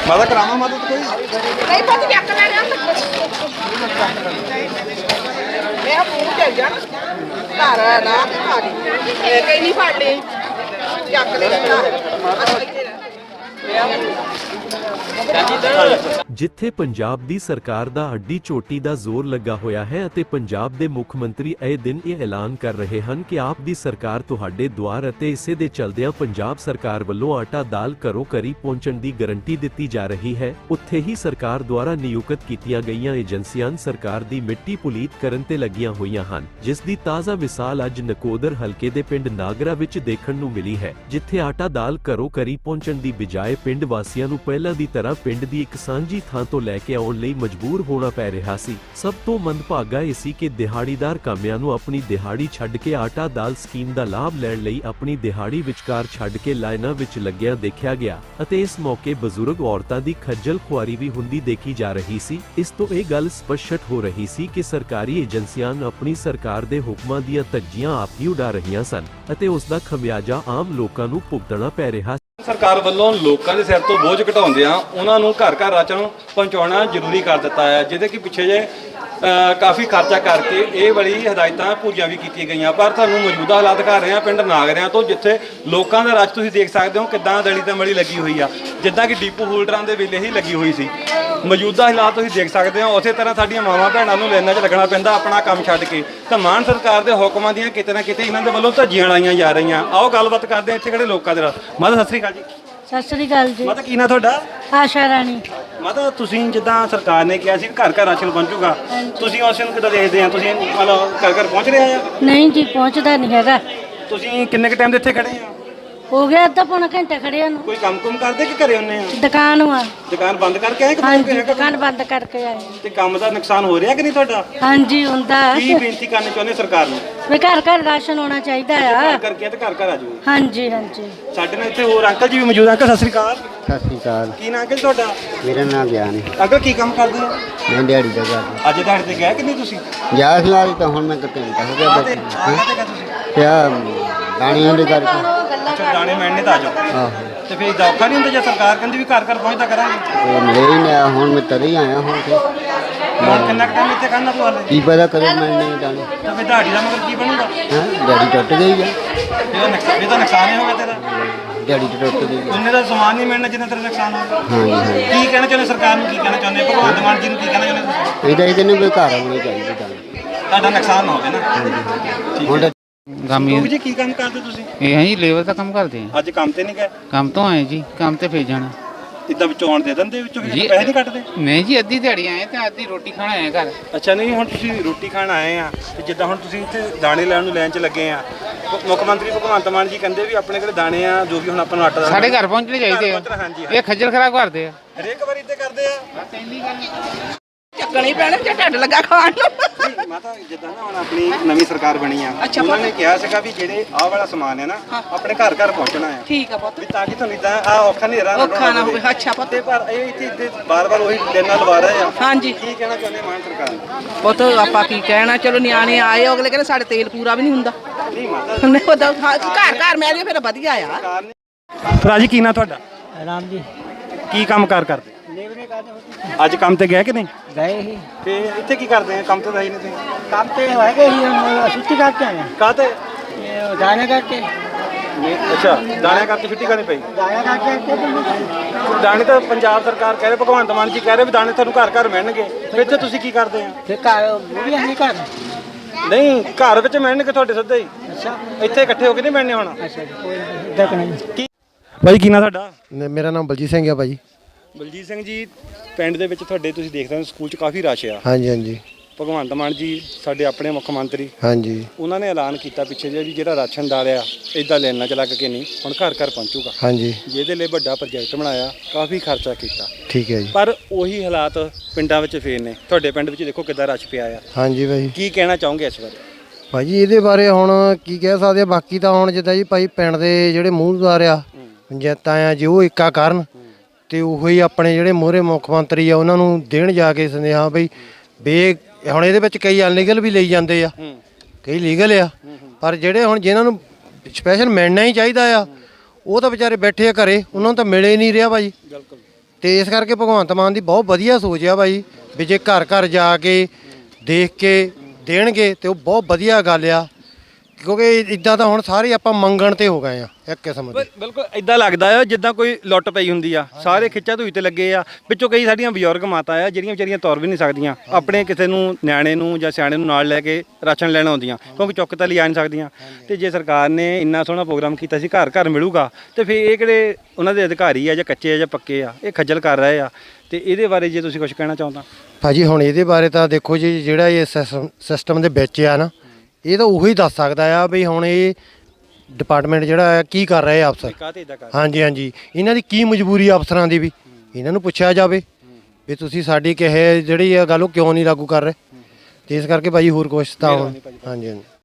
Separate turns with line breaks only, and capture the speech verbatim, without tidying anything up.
माता करावा मदद कोई
नहीं पता क्या कर रहे हैं मैं पूछ के जा घर ना खाली कहीं नहीं फाड़ ले क्या कर ले
ਜਿੱਥੇ ਪੰਜਾਬ ਦੀ ਸਰਕਾਰ ਦਾ ਅੱਡੀ ਚੋਟੀ ਦਾ ਜ਼ੋਰ ਲੱਗਾ ਹੋਇਆ ਹੈ ਅਤੇ ਪੰਜਾਬ ਦੇ ਮੁੱਖ ਮੰਤਰੀ ਇਹ ਦਿਨ ਇਹ ਐਲਾਨ ਕਰ ਰਹੇ ਹਨ ਕਿ ਆਪ ਦੀ ਸਰਕਾਰ ਤੁਹਾਡੇ ਦੁਆਰ ਅਤੇ ਇਸੇ ਦੇ ਚਲਦਿਆਂ ਪੰਜਾਬ ਸਰਕਾਰ ਵੱਲੋਂ ਆਟਾ ਦਾਲ ਘਰੋਂ ਘਰੀ ਪਹੁੰਚਣ ਦੀ ਗਾਰੰਟੀ ਦਿੱਤੀ ਜਾ ਰਹੀ ਹੈ, ਉੱਥੇ ਹੀ ਸਰਕਾਰ ਦੁਆਰਾ ਨਿਯੁਕਤ ਕੀਤੀਆਂ ਗਈਆਂ ਏਜੰਸੀਆਂ ਸਰਕਾਰ ਦੀ ਮਿੱਟੀ ਪੁਲੀਤ ਕਰਨ ਤੇ ਲੱਗੀਆਂ ਹੋਈਆਂ ਹਨ, ਜਿਸ ਦੀ ਤਾਜ਼ਾ ਮਿਸਾਲ ਅੱਜ ਨਕੋਦਰ ਹਲਕੇ ਦੇ ਪਿੰਡ ਨਾਗਰਾ ਵਿੱਚ ਦੇਖਣ ਨੂੰ ਮਿਲੀ ਹੈ, ਜਿੱਥੇ ਆਟਾ ਦਾਲ ਘਰੋਂ ਘਰੀ ਪਹੁੰਚਣ ਦੀ ਬਜਾਏ ਪਿੰਡ ਵਾਸੀਆਂ ਨੂੰ ਪਹਿਲਾਂ ਦੀ ਤਰ੍ਹਾਂ ਪਿੰਡ ਦੀ ਇੱਕ ਸਾਂਝੀ ਥਾਂ ਤੋਂ ਲੈ ਕੇ ਆਉਣ ਲਈ ਮਜਬੂਰ ਹੋਣਾ ਪੈ ਰਿਹਾ ਸੀ। ਸਭ ਤੋਂ ਮੰਦਭਾਗਾ ਇਹ ਸੀ ਕਿ ਦਿਹਾੜੀਦਾਰ ਕਾਮਿਆਂ ਨੂੰ ਆਪਣੀ ਦਿਹਾੜੀ ਛੱਡ ਕੇ ਆਟਾ ਦਾਲ ਸਕੀਮ ਦਾ ਲਾਭ ਲੈਣ ਲਈ ਆਪਣੀ ਦਿਹਾੜੀ ਵਿਚਕਾਰ ਛੱਡ ਕੇ ਲਾਈਨਾਂ ਵਿੱਚ ਲੱਗਿਆ ਦੇਖਿਆ ਗਿਆ ਅਤੇ ਇਸ ਮੌਕੇ ਬਜ਼ੁਰਗ ਔਰਤਾਂ ਦੀ ਖੱਜਲ ਖੁਆਰੀ ਵੀ ਹੁੰਦੀ ਦੇਖੀ ਜਾ ਰਹੀ ਸੀ। ਇਸ ਤੋਂ ਇਹ ਗੱਲ ਸਪਸ਼ਟ ਹੋ ਰਹੀ ਸੀ ਕਿ ਸਰਕਾਰੀ ਏਜੰਸੀਆਂ ਆਪਣੀ ਸਰਕਾਰ ਦੇ ਹੁਕਮਾਂ ਦੀਆਂ ਧੱਜੀਆਂ ਆਪ ਹੀ ਉਡਾ ਰਹੀਆਂ ਸਨ ਅਤੇ ਉਸ ਦਾ ਖਮਿਆਜਾ ਆਮ ਲੋਕਾਂ ਨੂੰ ਭੁਗਤਣਾ ਪੈ ਰਿਹਾ।
ਸਰਕਾਰ ਵੱਲੋਂ ਲੋਕਾਂ ਦੇ ਸਿਰ ਤੋਂ ਬੋਝ ਘਟਾਉਂਦਿਆਂ ਉਹਨਾਂ ਨੂੰ ਘਰ ਘਰ ਰਾਸ਼ਨ ਪਹੁੰਚਾਉਣਾ ਜ਼ਰੂਰੀ ਕਰ ਦਿੱਤਾ ਹੈ, ਜਿਹਦੇ ਕਿ ਪਿੱਛੇ ਜੇ ਕਾਫੀ ਖਰਚਾ ਕਰਕੇ ਇਹ ਵਾਲੀ ਹਦਾਇਤਾਂ ਪੂਰੀਆਂ ਵੀ ਕੀਤੀਆਂ ਗਈਆਂ। ਪਰ ਤੁਹਾਨੂੰ ਮੌਜੂਦਾ ਹਾਲਾਤ ਦਿਖਾ ਰਹੇ ਹਾਂ ਪਿੰਡ ਨਾਗਰਿਆਂ ਤੋਂ, ਜਿੱਥੇ ਲੋਕਾਂ ਦਾ ਰਸ਼ ਤੁਸੀਂ ਦੇਖ ਸਕਦੇ ਹੋ ਕਿੱਦਾਂ ਦਲੀ ਤੇ ਮਲੀ ਲੱਗੀ ਹੋਈ ਆ, ਜਿੱਦਾਂ ਕਿ ਡੀਪੂ ਹੋਲਡਰਾਂ ਦੇ ਵੇਲੇ ਹੀ ਲੱਗੀ ਹੋਈ ਸੀ। ਮੌਜੂਦਾ ਹਾਲਾਤ ਤੁਸੀਂ ਦੇਖ ਸਕਦੇ ਹੋ। ਉਸੇ ਤਰ੍ਹਾਂ ਸਾਡੀਆਂ ਮਾਵਾਂ ਭੈਣਾਂ ਨੂੰ ਲਾਈਨਾਂ 'ਚ ਲੱਗਣਾ ਪੈਂਦਾ ਆਪਣਾ ਕੰਮ ਛੱਡ ਕੇ, ਤਾਂ ਮਾਨ ਸਰਕਾਰ ਦੇ ਹੁਕਮਾਂ ਦੀਆਂ ਕਿਤੇ ਨਾ ਕਿਤੇ ਇਹਨਾਂ ਦੇ ਵੱਲੋਂ ਧੱਜੀਆਂ ਲਾਈਆਂ ਜਾ ਰਹੀਆਂ। ਆਓ ਗੱਲਬਾਤ ਕਰਦੇ ਹਾਂ ਇੱਥੇ ਖੜੇ ਲੋਕਾਂ ਦੇ ਨਾਲ। ਮਾਤਾ ਸਤਿ ਸ੍ਰੀ ਅਕਾਲ ਜੀ।
ਸਤਿ ਸ੍ਰੀ ਅਕਾਲ ਜੀ।
ਮਾਤਾ ਕੀ ਨਾਂ ਤੁਹਾਡਾ?
ਆਸ਼ਾ ਰਾਣੀ।
ਮਾਤਾ ਤੁਸੀਂ ਜਿੱਦਾਂ ਸਰਕਾਰ ਨੇ ਕਿਹਾ ਸੀ ਘਰ ਘਰ ਰਾਸ਼ਨ ਪਹੁੰਚੂਗਾ, ਤੁਸੀਂ ਉਸ ਨੂੰ ਕਿੱਦਾਂ ਦੇਖਦੇ ਆ? ਤੁਸੀਂ ਮਤਲਬ ਘਰ ਘਰ ਪਹੁੰਚ ਰਿਹਾ ਆ?
ਨਹੀਂ ਜੀ, ਪਹੁੰਚਦਾ ਨਹੀਂ ਹੈਗਾ।
ਤੁਸੀਂ ਕਿੰਨੇ ਕੁ ਟਾਈਮ ਦੇ ਇੱਥੇ ਖੜੇ ਆ?
ਹੋ ਗਿਆ ਅੱਧਾ ਪੌਣਾ ਘੰਟਾ ਖੜਿਆ ਨੂੰ।
ਕੋਈ ਕੰਮ ਕੁਮ ਕਰਦੇ ਕਿ ਘਰੇ ਹੁੰਨੇ ਆ?
ਦੁਕਾਨ ਆ।
ਦੁਕਾਨ ਬੰਦ ਕਰਕੇ ਆਏ ਕਿ
ਹਾਂਜੀ, ਦੁਕਾਨ ਬੰਦ ਕਰਕੇ ਆਏ।
ਤੇ ਕੰਮ ਦਾ ਨੁਕਸਾਨ ਹੋ ਰਿਹਾ ਕਿ ਨਹੀਂ ਤੁਹਾਡਾ?
ਹਾਂਜੀ ਹੁੰਦਾ।
ਕੀ ਬੇਨਤੀ ਕਰਨੀ ਚਾਹੁੰਦੇ ਸਰਕਾਰ ਨੂੰ?
ਵੀ ਘਰ ਘਰ ਰਾਸ਼ਨ ਹੋਣਾ ਚਾਹੀਦਾ ਆ।
ਘਰ ਕਰਕੇ ਤੇ ਘਰ ਘਰ ਆ ਜਾਓ।
ਹਾਂਜੀ ਹਾਂਜੀ।
ਸਾਡੇ ਨਾਲ ਇੱਥੇ ਹੋਰ ਅੰਕਲ ਜੀ ਵੀ ਮੌਜੂਦ। ਅੰਕਲ ਸਤਿ ਸ੍ਰੀ ਅਕਾਲ।
ਸਤਿ ਸ਼੍ਰੀ ਅਕਾਲ।
ਕੀ ਨਾਂ ਅੰਕਲ ਤੁਹਾਡਾ?
ਮੇਰਾ ਨਾਮ ਗਿਆਨ ਹੈ।
ਅੰਕਲ ਕੀ ਕੰਮ ਕਰਦੇ ਹੋ?
ਮੈਂ ਦਿਹਾੜੀ ਦਾ ਕਰਦਾ।
ਅੱਜ ਦਿਹਾੜੀ ਤੇ ਗਏ ਕਿ ਨਹੀਂ ਤੁਸੀਂ?
ਗਿਆ ਸੀ ਨਾਲ ਤਾਂ ਹੁਣ ਮੈਂ ਕਿਤੇ ਘੰਟਾ ਹੋ ਗਿਆ
ਕਾਹਤੇ
ਬੈਠਾ।
ਕਾਹਤੇ ਗਏ ਤੁਸੀਂ?
ਕਿਆ ਦਾਣੀਆਂ ਦੇ ਕਰਕੇ।
ਅੱਛਾ ਦਾਣੇ ਮਿਲਣੇ ਤਾਂ ਆ ਜਾਓ।
ਆਹੋ
ਤੇ ਫਿਰ ਔਖਾ ਨਹੀਂ ਹੁੰਦਾ ਜੇ ਸਰਕਾਰ ਕਹਿੰਦੀ ਵੀ ਘਰ ਘਰ ਪਹੁੰਚਦਾ ਕਰਾਂਗੇ?
ਉਹ ਮਿਲੇ ਹੀ ਨਹੀਂ ਆਇਆ, ਹੁਣ ਮੈਂ ਤਰੇ ਹੀ ਆਇਆ ਹੁਣ ਤੇ।
ਹੁਣ ਕਿੰਨਾ ਟਾਈਮ ਇੱਥੇ ਕਰਨਾ ਤੂੰ ਹਾਲੇ?
ਕੀ ਪਤਾ ਕਰੇ ਮਿਲਣੇ ਦਾਣੇ।
ਤੇ ਫਿਰ ਦਿਹਾੜੀ ਦਾ ਮਗਰ ਕੀ ਬਣੂਗਾ?
ਹਾਂ ਦਿਹਾੜੀ ਟੁੱਟ ਗਈ ਆ।
ਇਹਦਾ ਨੁਕਸਾਨ ਇਹ ਤਾਂ ਨੁਕਸਾਨ ਹੀ ਹੋਗਾ ਤੇਰਾ।
ਦਿਹਾੜੀ ਤਾਂ ਟੁੱਟ ਗਈ ਆ।
ਉਹਨੇ ਦਾ ਸਮਾਨ ਨਹੀਂ ਮਿਲਣਾ ਜਿੰਨਾ ਤੇਰਾ ਨੁਕਸਾਨ ਹੋਗਾ।
ਹਾਂਜੀ ਹਾਂਜੀ।
ਕੀ ਕਹਿਣਾ ਚਾਹੁੰਦੇ ਸਰਕਾਰ ਨੂੰ? ਕੀ ਕਹਿਣਾ ਚਾਹੁੰਦੇ ਭਗਵੰਤ ਮਾਨ ਜੀ ਨੂੰ? ਕੀ ਕਹਿਣਾ ਚਾਹੁੰਦੇ ਤੁਸੀਂ?
ਇਹਦਾ ਇਹਦੇ ਨੂੰ ਵੀ ਘਰ ਆਉਣੇ ਚਾਹੀਦੇ ਦਾਣੇ।
ਤੁਹਾਡਾ ਨੁਕਸਾਨ ਨਾ ਹੋਵੇ ਨਾ।
ਹੁਣ ਤਾਂ
ਗਾਮੀ ਜੀ ਕੀ ਕੰਮ ਕਰਦੇ ਤੁਸੀਂ?
ਇਹ ਅਸੀਂ ਲੇਬਰ ਦਾ ਕੰਮ ਕਰਦੇ ਹਾਂ।
ਅੱਜ ਕੰਮ ਤੇ ਨਹੀਂ ਗਏ?
ਕੰਮ ਤੋਂ ਆਏ ਜੀ, ਕੰਮ ਤੇ ਫੇਰ ਜਾਣਾ।
ਇੱਦਾਂ ਵਿੱਚੋਂ ਆਉਣ ਦੇ ਦਿੰਦੇ ਵਿੱਚੋਂ
ਜੀ,
ਪੈਸੇ ਨਹੀਂ ਕੱਟਦੇ?
ਨਹੀਂ ਜੀ, ਅੱਧੀ ਦਿਹਾੜੀ ਆਏ ਤੇ ਅੱਧੀ ਰੋਟੀ ਖਾਣ ਆਏ ਘਰ।
ਅੱਛਾ ਨਹੀਂ ਹੁਣ ਤੁਸੀਂ ਰੋਟੀ ਖਾਣ ਆਏ ਆ ਤੇ ਜਿੱਦਾਂ ਹੁਣ ਤੁਸੀਂ ਇੱਥੇ ਦਾਣੇ ਲੈਣ ਨੂੰ ਲਾਈਨ 'ਚ ਲੱਗੇ ਆ, ਮੁੱਖ ਮੰਤਰੀ ਭਗਵੰਤ ਮਾਨ ਜੀ ਕਹਿੰਦੇ ਵੀ ਆਪਣੇ ਕੋਲ ਦਾਣੇ ਆ ਜੋ ਵੀ ਹੁਣ ਆਪਾਂ ਨੂੰ ਆਟਾ
ਸਾਡੇ ਘਰ ਪਹੁੰਚਣੇ ਚਾਹੀਦੇ ਆ।
ਹਾਂਜੀ
ਇਹ ਖੱਜਲ ਖਰਾਬ ਕਰਦੇ ਆ।
ਹਰੇਕ ਵਾਰੀ ਇੱਦਾਂ ਕਰਦੇ ਆ।
ਚੱਕਣੀ ਪੈਣੇ ਜੇ ਢੱਡ ਲੱਗਾ ਖਾਣ ਨੂੰ।
ਨਹੀਂ ਮਾਤਾ ਜਿੱਦਾਂ ਨਾ ਹੁਣ ਆਪਣੀ ਨਵੀਂ ਸਰਕਾਰ ਬਣੀ ਆ, ਉਹਨਾਂ ਨੇ ਕਿਹਾ ਸੀਗਾ ਵੀ ਜਿਹੜੇ ਆਹ ਵਾਲਾ ਸਮਾਨ ਹੈ ਨਾ ਆਪਣੇ ਘਰ ਘਰ ਪਹੁੰਚਣਾ ਆ।
ਠੀਕ ਆ ਪੁੱਤ।
ਵੀ ਤਾਂ ਕਿ ਤੁਹਾਨੂੰ ਇਦਾਂ ਆ ਔਖਾ ਨਹੀਂ ਰਹਿਣਾ।
ਔਖਾ ਨਾ ਹੋਵੇ। ਅੱਛਾ ਪੁੱਤ।
ਤੇ ਪਰ ਇਹ ਇੱਥੇ ਬਾਰ-ਬਾਰ ਉਹੀ ਲੈਣਾ ਲਵਾ ਰਹੇ ਆ।
ਹਾਂਜੀ।
ਕੀ ਕਹਿਣਾ ਚਾਹੁੰਦੇ ਮਾਨ ਸਰਕਾਰ ਨੂੰ?
ਪੁੱਤ ਆਪਾਂ ਕੀ ਕਹਿਣਾ, ਚਲੋ ਨਿਆਣੇ ਆਏ ਅਗਲੇ ਕਹਿੰਦੇ ਸਾਡੇ ਤੇਲ ਪੂਰਾ ਵੀ ਨਹੀਂ ਹੁੰਦਾ।
ਨਹੀਂ ਮਾਤਾ
ਨਹੀਂ ਉਹਦਾ ਘਰ ਘਰ ਮਿਲ ਜੇ ਫਿਰ ਵਧੀਆ ਆ।
ਸਰਕਾਰ ਨੇ। ਰਾਜੀ ਕੀ ਨਾਂ ਤੁਹਾਡਾ?
ਰਾਮ ਜੀ
ਕੀ ਕੰਮ ਕਾਰ ਕਰਦੇ?
ਲੇਬਰੇ ਕਰਦੇ
ਅੱਜ ਕੰਮ ਤੇ ਗਏ ਕਿ ਨਹੀਂ
ਗਏ ਹੀ
ਤੇ ਇੱਥੇ ਕੀ ਕਰਦੇ ਆ? ਕੰਮ ਤੇ ਤਾਂ ਹੀ ਨਹੀਂ ਤੇ
ਕੰਮ ਤੇ ਹੋਏਗੇ ਹੀ ਛੁੱਟੀ ਕਰਕੇ ਆਏ
ਕਾਹਤੇ?
ਇਹ ਦਾਣੇ ਕਰਕੇ
ਅੱਛਾ ਦਾਣੇ ਕਰਕੇ ਛੁੱਟੀ ਕਰਨੀ ਪਈ।
ਦਾਣੇ ਕਰਕੇ
ਦਾਣੇ ਤਾਂ ਪੰਜਾਬ ਸਰਕਾਰ ਕਹਿ ਰਹੇ, ਭਗਵੰਤ ਮਾਨ ਜੀ ਕਹਿ ਰਹੇ ਵੀ ਦਾਣੇ ਤੁਹਾਨੂੰ ਘਰ ਘਰ ਮਿਲਣਗੇ। ਇੱਥੇ ਤੁਸੀਂ ਕੀ ਕਰਦੇ ਆ?
ਫਿਰ ਘਰ ਬੁੜੀਆਂ ਨਹੀਂ ਘਰ।
ਨਹੀਂ ਘਰ ਵਿੱਚ ਮਿਲਣਗੇ ਤੁਹਾਡੇ ਸਿੱਧੇ ਹੀ।
ਅੱਛਾ
ਇੱਥੇ ਇਕੱਠੇ ਹੋ ਕੇ ਨਹੀਂ ਮਿਲਣੇ ਹੁਣ।
ਅੱਛਾ ਜੀ, ਕੋਈ ਇੱਦਾਂ ਕਿ ਨਹੀਂ।
ਕੀ ਭਾਈ ਕੀ ਨਾਂ ਤੁਹਾਡਾ?
ਮੇਰਾ ਨਾਮ ਬਲਜੀਤ ਸਿੰਘ ਆ ਭਾਜੀ।
ਬਲਜੀਤ ਸਿੰਘ ਜੀ ਪਿੰਡ ਦੇ ਵਿੱਚ ਤੁਹਾਡੇ ਤੁਸੀਂ ਦੇਖਦੇ ਹੋ ਸਕੂਲ 'ਚ ਕਾਫੀ ਰਸ਼ ਆ।
ਹਾਂਜੀ ਹਾਂਜੀ
ਭਗਵੰਤ ਮਾਨ ਜੀ ਸਾਡੇ ਆਪਣੇ ਮੁੱਖ ਮੰਤਰੀ,
ਹਾਂਜੀ
ਉਹਨਾਂ ਨੇ ਐਲਾਨ ਕੀਤਾ ਪਿੱਛੇ ਜੇ ਵੀ ਜਿਹੜਾ ਰਾਸ਼ਨ ਦਾਲ ਆ ਇੱਦਾਂ ਲੈਣਾ ਚ ਲੱਗ ਕੇ ਨਹੀਂ ਹੁਣ ਘਰ ਘਰ ਪਹੁੰਚੂਗਾ।
ਹਾਂਜੀ
ਜਿਹਦੇ ਲਈ ਵੱਡਾ ਪ੍ਰੋਜੈਕਟ ਬਣਾਇਆ, ਕਾਫੀ ਖਰਚਾ ਕੀਤਾ।
ਠੀਕ ਹੈ ਜੀ।
ਪਰ ਉਹੀ ਹਾਲਾਤ ਪਿੰਡਾਂ ਵਿੱਚ ਫੇਰ ਨੇ। ਤੁਹਾਡੇ ਪਿੰਡ ਵਿੱਚ ਦੇਖੋ ਕਿੱਦਾਂ ਰਸ਼ ਪਿਆ ਆ।
ਹਾਂਜੀ ਭਾਈ।
ਕੀ ਕਹਿਣਾ ਚਾਹੋਗੇ ਇਸ ਬਾਰੇ?
ਭਾਜੀ ਇਹਦੇ ਬਾਰੇ ਹੁਣ ਕੀ ਕਹਿ ਸਕਦੇ ਆ, ਬਾਕੀ ਤਾਂ ਹੁਣ ਜਿੱਦਾਂ ਜੀ ਭਾਈ ਪਿੰਡ ਦੇ ਜਿਹੜੇ ਮੂਹਰਦਾਰ ਆ ਪੰਚਾਇਤਾਂ ਆ ਜੇ ਉਹ ਇੱਕਾ ਕਰਨ ਤੇ ਉਹੋ ਹੀ ਆਪਣੇ ਜਿਹੜੇ ਮੋਹਰੇ ਮੁੱਖ ਮੰਤਰੀ ਆ ਉਹਨਾਂ ਨੂੰ ਦੇਣ ਜਾ ਕੇ ਸੁਨੇਹਾ ਬਈ ਬੇ ਹੁਣ ਇਹਦੇ ਵਿੱਚ ਕਈ ਅਨਲੀਗਲ ਵੀ ਲਈ ਜਾਂਦੇ ਆ, ਕਈ ਲੀਗਲ ਆ, ਪਰ ਜਿਹੜੇ ਹੁਣ ਜਿਨ੍ਹਾਂ ਨੂੰ ਸਪੈਸ਼ਲ ਮਿਲਣਾ ਹੀ ਚਾਹੀਦਾ ਆ ਉਹ ਤਾਂ ਵਿਚਾਰੇ ਬੈਠੇ ਆ ਘਰੇ, ਉਹਨਾਂ ਨੂੰ ਤਾਂ ਮਿਲੇ ਨਹੀਂ ਰਿਹਾ ਭਾਜੀ। ਤੇ ਇਸ ਕਰਕੇ ਭਗਵੰਤ ਮਾਨ ਦੀ ਬਹੁਤ ਵਧੀਆ ਸੋਚ ਆ ਬਾਈ ਵੀ ਜੇ ਘਰ ਘਰ ਜਾ ਕੇ ਦੇਖ ਕੇ ਦੇਣਗੇ ਤੇ ਉਹ ਬਹੁਤ ਵਧੀਆ ਗੱਲ ਆ, ਕਿਉਂਕਿ ਇਦਾਂ ਤਾਂ ਹੁਣ ਸਾਰੇ ਆਪਾਂ ਮੰਗਣ ਤੇ ਹੋ ਗਏ ਆ ਇੱਕ ਕਿਸਮ ਦੇ।
ਬਿਲਕੁਲ ਇਦਾਂ ਲੱਗਦਾ ਆ ਜਿੱਦਾਂ ਕੋਈ ਲੁੱਟ ਪਈ ਹੁੰਦੀ ਆ, ਸਾਰੇ ਖਿੱਚਾ ਧੂਈ ਤੇ ਲੱਗੇ ਆ। ਵਿੱਚੋਂ ਕਈ ਸਾਡੀਆਂ ਬਜ਼ੁਰਗ ਮਾਤਾ ਆ ਜਿਹੜੀਆਂ ਵਿਚਾਰੀਆਂ ਤੁਰ ਵੀ ਨਹੀਂ ਸਕਦੀਆਂ, ਆਪਣੇ ਕਿਸੇ ਨੂੰ ਨਿਆਣੇ ਨੂੰ ਜਾਂ ਸਿਆਣੇ ਨੂੰ ਨਾਲ ਲੈ ਕੇ ਰਾਸ਼ਨ ਲੈਣ ਆਉਂਦੀਆਂ, ਕਿਉਂਕਿ ਚੁੱਕ ਤਾਂ ਲਿਆ ਨਹੀਂ ਸਕਦੀਆਂ। ਤੇ ਜੇ ਸਰਕਾਰ ਨੇ ਇੰਨਾ ਸੋਹਣਾ ਪ੍ਰੋਗਰਾਮ ਕੀਤਾ ਸੀ ਘਰ ਘਰ ਮਿਲੂਗਾ, ਤੇ ਫਿਰ ਇਹ ਕਿਹੜੇ ਉਹਨਾਂ ਦੇ ਅਧਿਕਾਰੀ ਆ ਜਾਂ ਕੱਚੇ ਆ ਜਾਂ ਪੱਕੇ ਆ, ਇਹ ਖੱਜਲ ਕਰ ਰਹੇ ਆ। ਤੇ ਇਹਦੇ ਬਾਰੇ ਜੇ ਤੁਸੀਂ ਕੁਝ ਕਹਿਣਾ ਚਾਹੁੰਦਾ।
ਭਾਜੀ ਹੁਣ ਇਹਦੇ ਬਾਰੇ ਤਾਂ ਦੇਖੋ ਜੀ, ਜਿਹੜਾ ਇਹ ਸਿਸਟਮ ਸਿਸਟਮ ਦੇ ਵਿੱਚ ਆ ਨਾ, ਇਹ ਤਾਂ ਉਹੀ ਦੱਸ ਸਕਦਾ ਆ ਵੀ ਹੁਣ ਇਹ ਡਿਪਾਰਟਮੈਂਟ ਜਿਹੜਾ ਹੈ ਕੀ ਕਰ ਰਹੇ ਆ ਅਫਸਰ। ਹਾਂਜੀ ਹਾਂਜੀ, ਇਹਨਾਂ ਦੀ ਕੀ ਮਜਬੂਰੀ ਆ ਅਫਸਰਾਂ ਦੀ, ਵੀ ਇਹਨਾਂ ਨੂੰ ਪੁੱਛਿਆ ਜਾਵੇ ਵੀ ਤੁਸੀਂ ਸਾਡੀ ਕਿਹੇ ਜਿਹੜੀ ਆ ਗੱਲ ਉਹ ਕਿਉਂ ਨਹੀਂ ਲਾਗੂ ਕਰ ਰਹੇ। ਤੇ ਇਸ ਕਰਕੇ ਭਾਜੀ ਹੋਰ ਕੁਛ ਤਾਂ ਹੁਣ ਹਾਂਜੀ ਹਾਂਜੀ